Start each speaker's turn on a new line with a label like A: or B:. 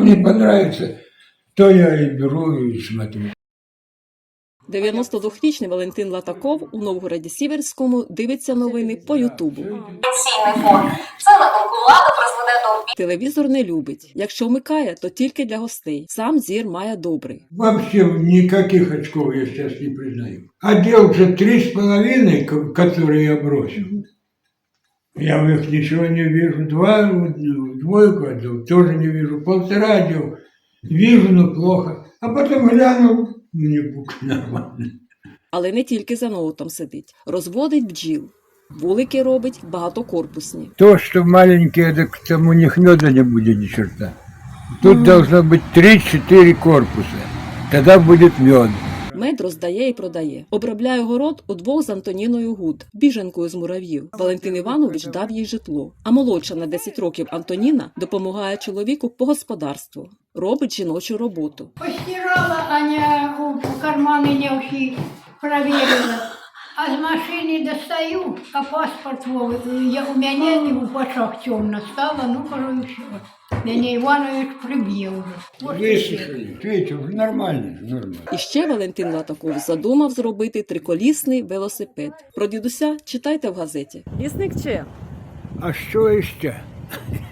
A: мне понравится, то я и беру и смотрю.
B: 92-річний Валентин Латаков у Новгороді-Сіверському дивиться новини по Ютубу.
C: Пенсійний фонд. Це, на думку влади, призведе до
B: Телевізор не любить. Якщо вмикає, то тільки для гостей. Сам зір має добрий.
A: Вообще никаких очков я сейчас не признаю. Одел же 3,5, которые я бросил. Я в них ничего не вижу. Двойку отдал, тоже не вижу. 1,5 одел, вижу, но плохо. А потом глянул, мне бук нормально.
B: Але не тільки за ноутом сидить. Розводить бджіл. Вулики робить багатокорпусні.
A: То, что маленькие, так там у них меда не будет ни черта. Тут должно быть 3-4 корпуса. Тогда будет мед.
B: Мед роздає і продає. Обробляє город удвох з Антоніною Гуд, біженкою з Мурав'їв. Валентин Іванович дав їй житло. А молодша на 10 років Антоніна допомагає чоловіку по господарству. Робить жіночу роботу.
D: Постирала, Аня в карманы не всі проверила. А з машини достаю, а паспорт у мене не в пачах темно стало, ну, кажу, і все. Мене Іванович приб'є вже.
A: Высушили. Видите, уже нормально, нормально.
B: І ще Валентин Латаков задумав зробити триколісний велосипед. Про дідуся читайте в газеті. Лісник чи?
A: А що іще?